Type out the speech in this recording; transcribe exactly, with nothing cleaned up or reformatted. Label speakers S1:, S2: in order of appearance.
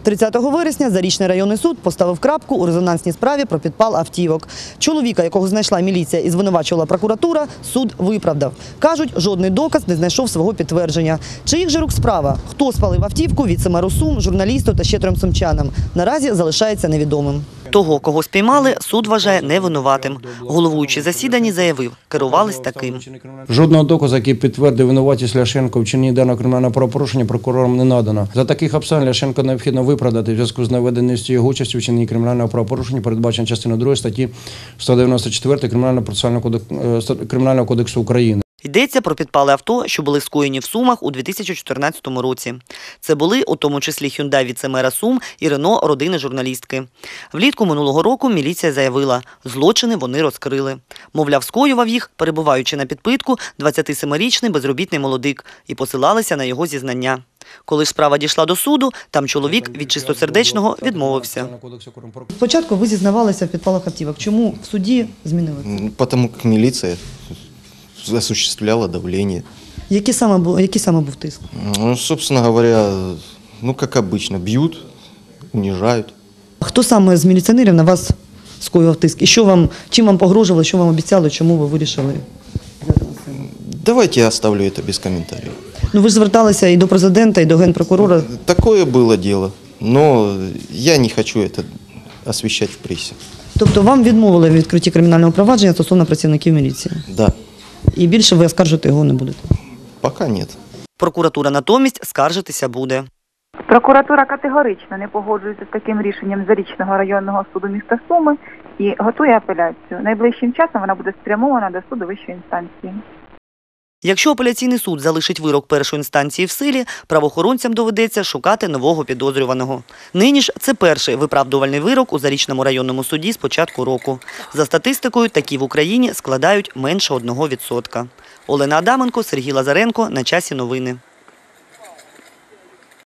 S1: тридцятого вересня Зарічний районний суд поставив крапку у резонансній справі про підпал автівок. Чоловіка, якого знайшла міліція і звинувачувала прокуратура, суд виправдав. Кажуть, жодний доказ не знайшов свого підтвердження. Чиїх же рук справа? Хто спалив автівку, віце-меру Сум, журналісту та ще трьом сумчанам? Наразі залишається невідомим. Того, кого спіймали, суд вважає невинуватим. Головуючий засіданні заявив, керувались таким.
S2: Жодного доказу, який підтвердив винуватість Ляшенко в вчиненні даного кримінального правопорушення, прокурорам не надано. За таких обставин Ляшенко необхідно виправдати в зв'язку з наведеністю його участі в вчиненні кримінального правопорушення, передбачено частиною другої статті сто дев'яносто чотири Кримінального кодексу України.
S1: Йдеться про підпали авто, що були скоєні в Сумах у дві тисячі чотирнадцятому році. Це були у тому числі Hyundai віце-мера Сум і Рено родини журналістки. Влітку минулого року міліція заявила, злочини вони розкрили. Мовляв, скоював їх, перебуваючи на підпитку, двадцятисемирічний безробітний молодик, і посилалися на його зізнання. Коли ж справа дійшла до суду, там чоловік від чистосердечного відмовився. Спочатку ви зізнавалися в підпалах автівок. Чому в суді змінили?
S3: Тому що міліція осуществляла давление.
S1: Який саме був, який саме був тиск?
S3: Ну, собственно говоря, ну, как обычно, бьют, унижают.
S1: Хто саме з міліціонерів на вас скоював тиск? І що вам, чим вам погрожували, що вам обіцяли, чому ви вирішили?
S3: Давайте я оставлю это без комментариев.
S1: Ну, ви ж зверталися і до президента, і до генпрокурора.
S3: Такое было дело, но я не хочу это освещать в прессе.
S1: Тобто вам відмовили в відкритті кримінального провадження стосовно працівників міліції?
S3: Да.
S1: І більше ви оскаржити його не будете?
S3: Пока нет.
S1: Прокуратура натомість скаржитися буде.
S4: Прокуратура категорично не погоджується з таким рішенням Зарічного районного суду міста Суми і готує апеляцію. Найближчим часом вона буде спрямована до суду вищої інстанції.
S1: Якщо апеляційний суд залишить вирок першої інстанції в силі, правоохоронцям доведеться шукати нового підозрюваного. Нині ж це перший виправдувальний вирок у Зарічному районному суді з початку року. За статистикою, такі в Україні складають менше одного відсотка. Олена Адаменко, Сергій Лазаренко. На часі новини.